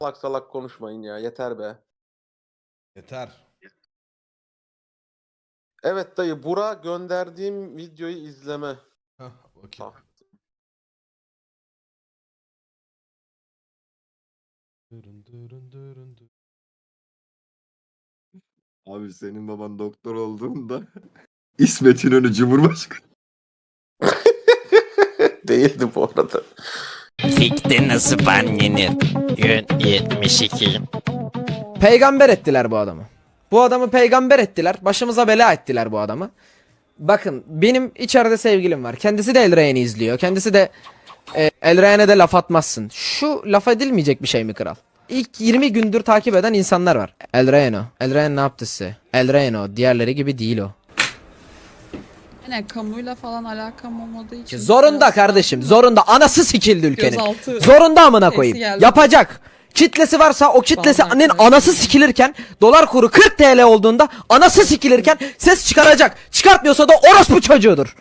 Salak salak konuşmayın ya. Yeter be. Yeter. Evet dayı. Bura gönderdiğim videoyu izleme. Hah, bakayım. Ah. Dırın dırın dırın dırın. Abi senin baban doktor olduğunda İsmet İnönü Cumhurbaşkanı. Değildi bu arada. Fikte nasıl ban yenir? Gün 72. Peygamber ettiler bu adamı. Bu adamı peygamber ettiler. Başımıza bela ettiler bu adamı. Bakın benim içeride sevgilim var. Kendisi de El Reyhan'ı izliyor. Kendisi de El Reyhan'a de laf atmazsın. Şu laf edilmeyecek bir şey mi kral? İlk 20 gündür takip eden insanlar var. El Reyhan o. El Reyhan ne yaptı size? El Reyhan o. Diğerleri gibi değil o. Yani kamuyla falan alakam olmadığı için. Zorunda biraz kardeşim. daha- Zorunda. Anası sikildi ülkenin. Gözaltı Zorunda amına şeysi koyayım. geldi. Yapacak. Kitlesi varsa o kitlesinin Vallahi anası sikilirken dolar kuru 40 TL olduğunda anası sikilirken ses çıkaracak. Çıkartmıyorsa da orospu çocuğudur.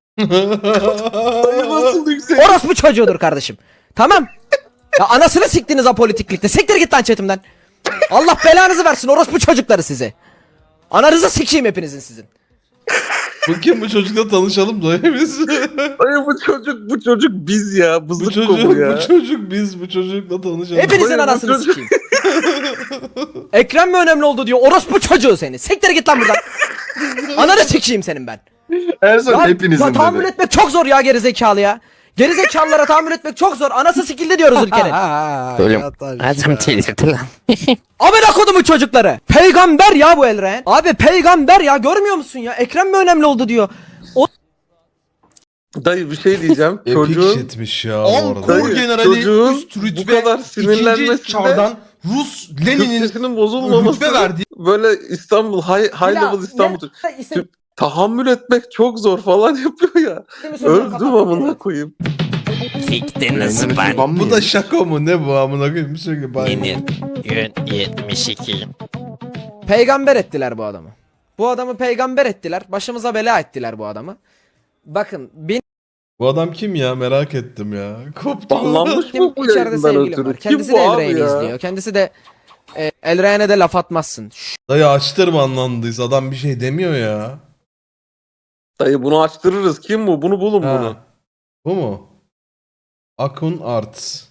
Dayı nasıl yüksek? Orospu çocuğudur kardeşim. Tamam. Ya anasını siktiniz apolitiklikte. Siktir git lan chatimden. Allah belanızı versin orospu çocukları size. Ananızı sikeyim hepinizin sizin. Bu kim, bu çocukla tanışalım da biz. Dayı bu çocuk biz ya. bu Bızık çocuk, kobu ya. bu çocuk biz, bu çocukla tanışalım. Hepinizin Hayır, bu anasını çocuk- sikeyim. Ekrem mi önemli oldu diyor orospu çocuğu seni. Siktir git lan buradan. Ananı sikeyim senin ben. En son Ya, hepinizin tahammül dedi. etmek çok zor ya gerizekalı ya. Gerizekalılara tahammül etmek çok zor. Anası sikildi diyoruz ülkenin. Oğlum adam delirdi lan. Amına kodumu çocukları. Peygamber ya bu El Reyhan. Abi peygamber ya görmüyor musun ya? Ekrem mi önemli oldu diyor. Dayı bir şey diyeceğim. Epic Çocuğun shitmiş ya bu Dayı, arada. Generali çocuğun üst rütbe bu kadar sinirlenmesinde ikinci çardan Rus Lenin'in Türkçesinin bozulmaması rütbe verdiği böyle İstanbul high level İstanbul tahammül etmek çok zor falan yapıyor ya. Öldüm amına koyayım. Fikte nasıl ban bu da şaka mı ne bu amına koyayım, bir şey gibi. yenir? Gün 72. Peygamber ettiler bu adamı. Bu adamı peygamber ettiler. Başımıza bela ettiler bu adamı. Bakın benim Bu adam kim ya, merak ettim ya. Koptum. Banlanmış mı bu içeride yayından sevgilim ötürü? var. Kim Kendisi bu de El abi Reyhan'ı ya? izliyor. Kendisi de El Reyhan'a de laf atmazsın. Dayı açtır banlandıysa adam bir şey demiyor ya. Dayı bunu açtırırız. Kim bu? Bunu bulun Ha. bunu. Bu mu? Akun Arts.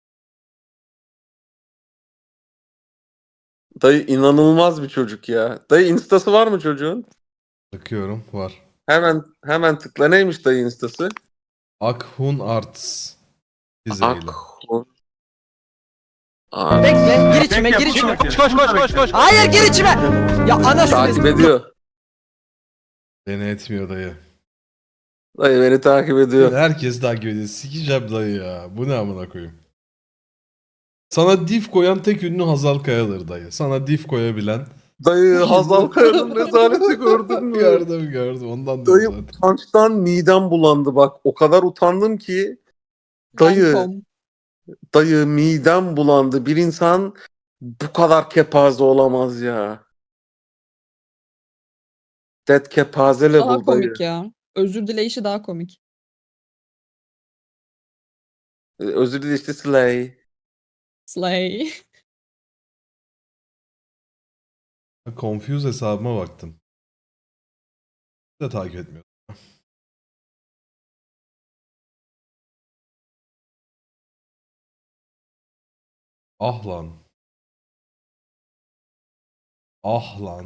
Dayı inanılmaz bir çocuk ya. Dayı instası var mı çocuğun? Bakıyorum, var. Hemen tıkla. Neymiş dayı instası? Akhun Arts. Dizeyle. Bekle gir içime gir içime. Koş. Hayır gir içime. Ya anasını Takip ediyor. Beni etmiyor dayı. Dayı beni takip ediyor. Herkes takip ediyor. Sikeceğim dayı ya. Bu ne amına koyayım. Sana div koyan tek ünlü Hazal Kaya'dır dayı. Sana div koyabilen. Dayı Hazal Kaya'nın rezaleti gördün mü? Gördüm. Ondan da Dayı zaten. utançtan midem bulandı bak. O kadar utandım ki. Dayı, Lancome. dayı midem bulandı. Bir insan bu kadar kepaze olamaz ya. Dead kepaze Daha level dayı. komik ya. Özür dileyişi daha komik. Özür dilerim işte Slay. Slay. Confuse hesabıma baktım. Bir de takip etmiyor. Ah lan. Ah lan.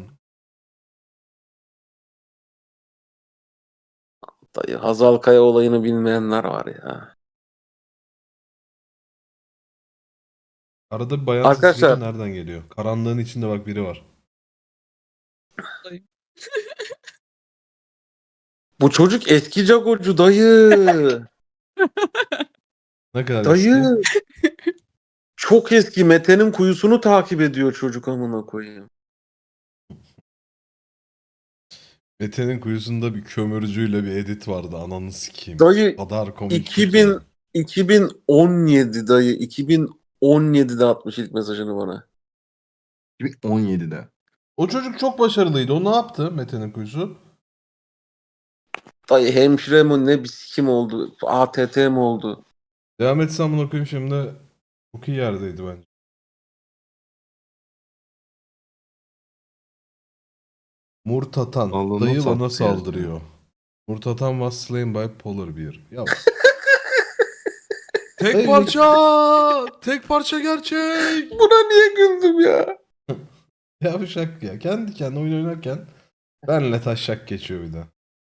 Dayı Hazal Kaya olayını bilmeyenler var ya. Arada bir bayan Arkadaşlar- sesi nereden geliyor? Karanlığın içinde bak biri var. Bu çocuk eski Jagocu dayı. Ne kadar Dayı. eski? Çok eski. Mete'nin kuyusunu takip ediyor çocuk amına koyayım. Mete'nin kuyusunda bir kömürcüyle bir edit vardı. Ananı sikeyim. Dayı Kadar komik. 2000 2017 dayı. 2017'de atmış ilk mesajını bana. 2017'de. O çocuk çok başarılıydı. O ne yaptı Mete'nin kuyusu? Dayı hemşire mi ne bir sikim oldu. ATT mi oldu? Devam etsem bunu okuyayım şimdi. Çok iyi yerdeydi bence. Murtatan. Allah'ını Dayı sattı bana ya. saldırıyor. Murtatan was slain by Polar Bear. Ya. Tek parça. Tek parça gerçek. Buna niye güldüm ya? Yavşak ya. Kendi kendine oyun oynarken benle taşak geçiyor bir de.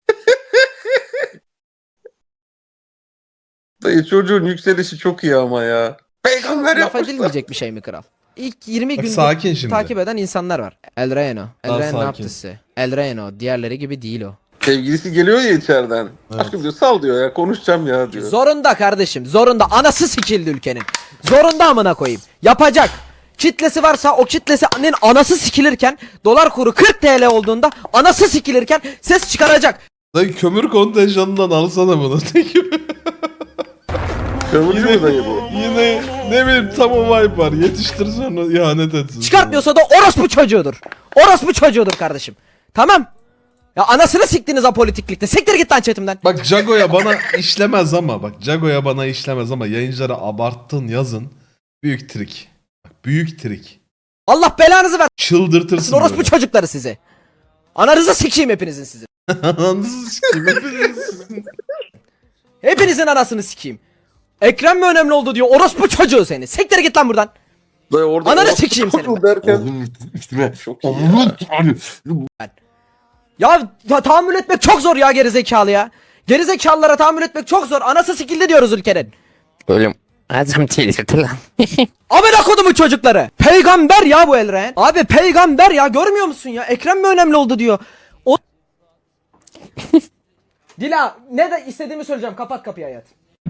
Dayı çocuğun yükselişi çok iyi ama ya. Peygamber Laf yapmışlar. edilmeyecek bir şey mi kral? İlk 20 Bak gündür sakin şimdi. takip eden insanlar var. El Reno. Daha El Reno ne sakin. yaptı size? El Reno. Diğerleri gibi değil o. Sevgilisi geliyor ya içeriden. Evet. Aşkım diyor sal diyor ya konuşacağım ya diyor. Zorunda kardeşim. Zorunda. Anası sikildi ülkenin. Zorunda amına koyayım. Yapacak. Kitlesi varsa o kitlesinin anası sikilirken dolar kuru 40 TL olduğunda anası sikilirken ses çıkaracak. Dayı kömür kontenjanından alsana bunu. Kömürcü mü dayı bu? Yine ne bileyim tam o vibe var. Yetiştir sonra ihanet etsin. Çıkartmıyorsa da orospu çocuğudur. Orospu çocuğudur kardeşim. Tamam. Ya anasını siktiniz apolitiklikte. Siktir git lan chatimden. Bak Jago'ya bana işlemez ama bak Jago'ya bana işlemez ama yayıncılara abarttın yazın. Büyük trik. Bak, büyük trik. Allah belanızı versin Çıldırtırsın orospu böyle. çocukları sizi. Ananızı sikeyim hepinizin sizin. Ananızı sikeyim hepinizin. Hepinizin anasını sikeyim. Ekrem mi önemli oldu diyor orospu çocuğu seni. Siktir git lan buradan. Dayı orada Ananı orospu sikeyim seni çocuğu ben. derken Oğlum üstüme. çok iyi ya. Oğlum abi. Ya tahammül etmek çok zor ya gerizekalı ya. Gerizekalılara tahammül etmek çok zor. Anası sikildi diyoruz ülkenin. Oğlum adam delirdi lan. Amına kodumun çocukları. Peygamber ya bu Elren. Abi peygamber ya görmüyor musun ya? Ekrem mi önemli oldu diyor. O... Dila ne de istediğimi söyleyeceğim. Kapat kapıyı hayat.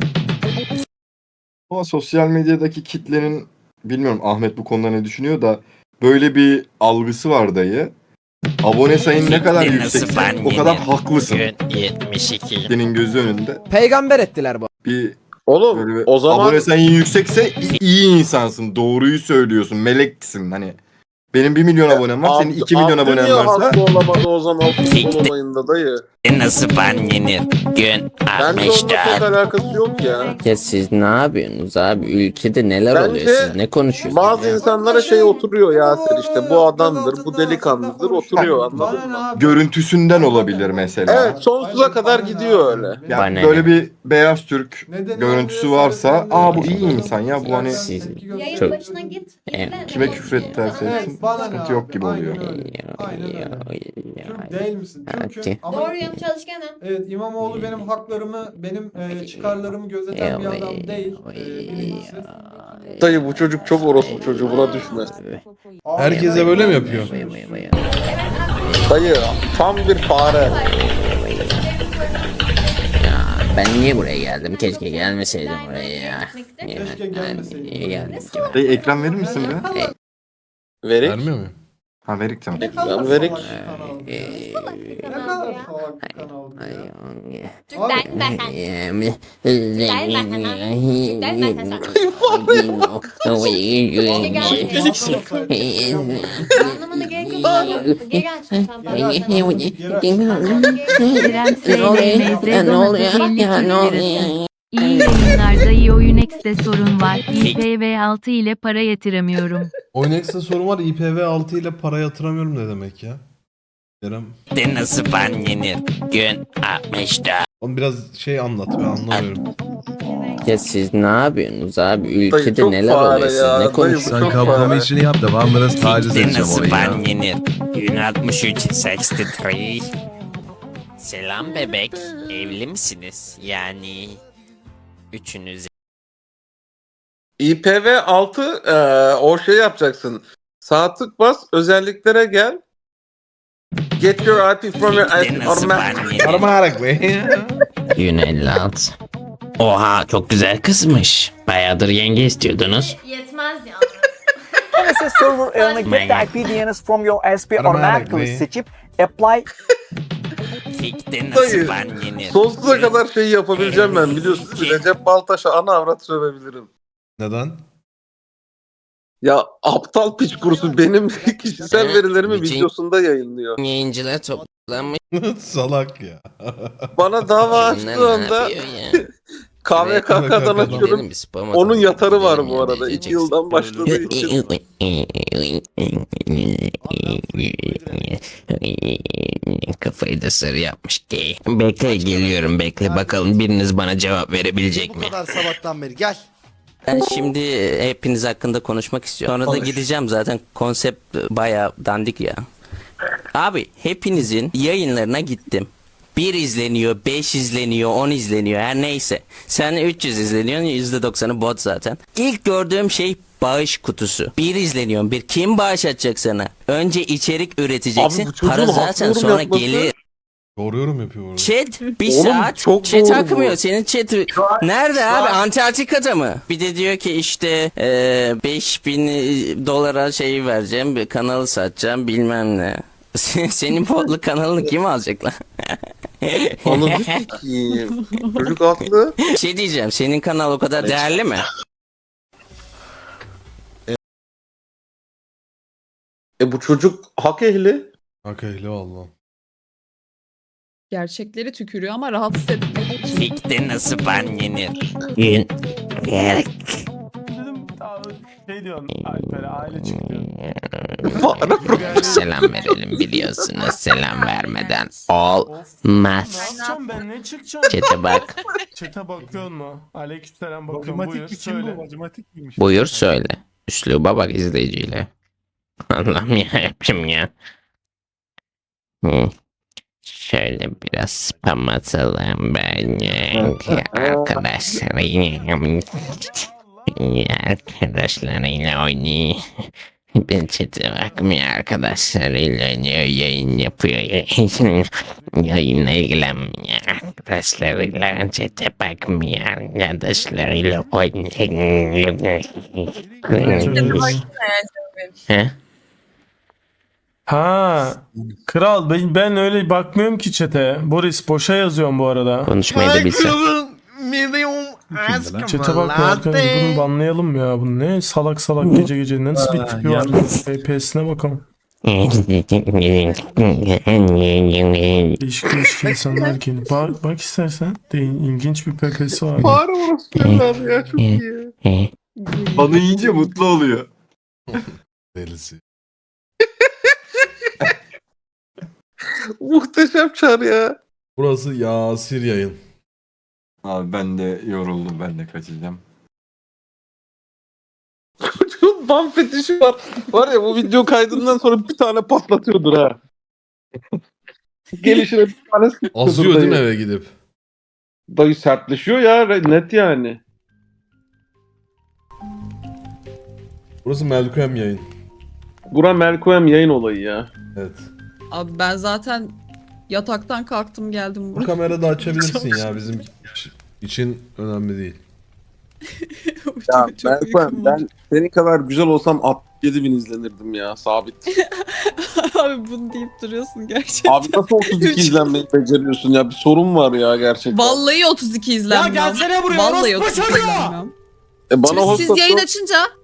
Ama sosyal medyadaki kitlenin bilmiyorum Ahmet bu konuda ne düşünüyor da böyle bir algısı var dayı. Abone sayın ne kadar Kitle nasıl yüksekse ban o kadar yenir? haklısın. Gün 72. Kitlenin gözü önünde. Peygamber ettiler bu. Bir Oğlum böyle bir o zaman abone sayın yüksekse iyi insansın. Doğruyu söylüyorsun. Meleksin hani. Benim 1 milyon abonem var. Senin 2 milyon abonen Abdü niye varsa hasta olamadı o zaman futbol olayında dayı? Nasıl ban yenir? Gün Bence onunla çok 64. alakası yok ya. Ya siz ne yapıyorsunuz abi? Ülkede neler Bence oluyor? Siz ne konuşuyorsunuz? Bazı insanlara şey oturuyor Yasir işte bu adamdır, bu delikanlıdır oturuyor anladın mı? görüntüsünden olabilir mesela. Evet sonsuza kadar gidiyor öyle. Yani Bana böyle ne? bir beyaz Türk görüntüsü varsa aa bu iyi insan ya bu hani Siz Yayın çok... başına git. Evet. kime küfret derse etsin sıkıntı yok gibi oluyor. Türk değil misin? Türk'üm ama Doğruyum, çalışkanım. evet İmamoğlu benim haklarımı, benim çıkarlarımı gözeten bir adam değil. Birincisi. Dayı bu çocuk çok orospu çocuğu buna düşme. Herkese böyle mi yapıyor? Dayı tam bir fare. Ben niye buraya geldim? Keşke gelmeseydim buraya ya. Keşke gelmeseydin. Niye geldim ki? Dayı ekran verir misin be? Verik. Vermiyor muyum? Ha verik tamam. Ne kadar Ben verik. salak bir kanal. Ne kadar salak bir kanal bu ya. Türkler ben. Anlamına gerek yok. Geri açtım tam Ne oluyor? Ya ne oluyor? İyi yayınlarda iyi oyun X'de sorun var. IPv6 ile para yatıramıyorum. Oynex'te sorun var. IPv6 ile para yatıramıyorum ne demek ya? Kerem. De nasıl ban yenir? Gün 64. Oğlum biraz şey anlat ben anlamıyorum. Ya siz ne yapıyorsunuz abi? Dayı Ülkede çok neler fare oluyor? Siz ya, ne dayı bu konuşuyorsunuz? çok fare. işini yap devamını taciz De edeceğim nasıl orayı ya. ban yenir? Gün 63 63. Selam bebek. Evli misiniz? Yani üçünüz. IPv6 o şey yapacaksın. Sağ tık bas özelliklere gel. Get your IP from your De IP nasıl automatic. ban yenir? Armarak be. Gün 56. Oha çok güzel kızmış. Bayağıdır yenge istiyordunuz. Yetmez yalnız. NSS server earnına get the IP DNS from your SP automatically seçip apply Fikte nasıl Dayı, ban yenir? Sonsuza kadar şey yapabileceğim ben biliyorsunuz. Recep Baltaş'a ana avrat sövebilirim. Neden? Ya aptal piç kurusu benim kişisel verilerimi Bütün- videosunda yayınlıyor. Yayıncılar toplanmış. Salak ya. Bana dava Bunlar açtığı ne anda yapıyor ya? KVKK'dan açıyorum. Gidelim bir spor Onun salonuna yatarı var gidelim bu ya, arada. ne 2 diyeceksin? yıldan başladığı için. Kafayı da sarı yapmış ki. Bekle geliyorum bekle bakalım biriniz bana cevap verebilecek mi? sabahtan beri gel. Ben şimdi hepiniz hakkında konuşmak istiyorum. Sonra da gideceğim zaten konsept bayağı dandik ya. Abi hepinizin yayınlarına gittim. 1 izleniyor, 5 izleniyor, 10 izleniyor her neyse. Sen 300 izleniyorsun, %90'ı bot zaten. İlk gördüğüm şey bağış kutusu. 1 izleniyor, bir kim bağış atacak sana? Önce içerik üreteceksin. Abi bu çocuğun Para zaten haklı yorum sonra yapması- gelir. Doğru yorum yapıyor orada. Chat bir Oğlum, saat çok chat doğru akmıyor. bu. Senin chat nerede abi? Antarktika'da mı? Bir de diyor ki işte 5000 dolara şey vereceğim, bir kanalı satacağım bilmem ne. Senin podlu kanalını kim alacak lan? Anladın ki. Çocuk haklı. Şey diyeceğim, senin kanal o kadar değerli mi? Bu çocuk hak ehli. Hak ehli valla. Gerçekleri tükürüyor ama rahatsız etmek için. Fikte nasıl ban yenir? Dedim şey diyorsun Alper'e aile çıktı. Selam verelim biliyorsunuz. Selam vermeden olmaz. yapacağım ben ne çıkacağım? Chat'e bak. Çete bakıyor mu? Aleykümselam bakıyorum buyur söyle. Buyur söyle. Üsluba bak izleyiciyle. Allah'ım ya yapayım ya. Şöyle biraz spam atalım ben arkadaşlarıyla oynuyor. Ben chat'e bakmıyor arkadaşlarıyla oynuyor yayın yapıyor. Yayınla ilgilenmiyor arkadaşlarıyla chat'e bakmıyor arkadaşlarıyla oynuyor. He? Ha, kral ben öyle bakmıyorum ki çete. Boris boşa yazıyorum bu arada. Konuşmayı da bilsem. Çete bakma arkadaş bunu banlayalım ya. Bu ne salak salak gece gece nasıl bir tipi var? FPS'ine bakalım. Değişik değişik insanlar ki. Bak istersen de ilginç bir PPS'i var. Var orası evladı ya çok iyi. Bana yiyince mutlu oluyor. Delisi. Muhteşem çar ya. Burası Yasir yayın. Abi ben de yoruldum ben de kaçacağım. Çocuğun ban fetişi var. Var ya bu video kaydından sonra bir tane patlatıyordur ha. Gelişine bir tane sıkıyordur Azıyor değil mi dayı. eve gidip? Dayı sertleşiyor ya net yani. Burası Melkem yayın. Bura Melkoem yayın olayı ya. Evet. Abi ben zaten yataktan kalktım geldim Bu buraya. kamera da açabilirsin ya bizim için önemli değil. Ya Çok uykum Melkoem var. ben senin kadar güzel olsam 67.000 izlenirdim ya sabit. Abi bunu deyip duruyorsun gerçekten. Abi nasıl 32 izlenmeyi beceriyorsun ya bir sorun var ya gerçekten. Vallahi 32 izlenmiyor. Ya gelsene buraya, Vallahi orospu 32 çocuğu! izlenmiyor. Bana Şimdi host siz yayın atıyor. açınca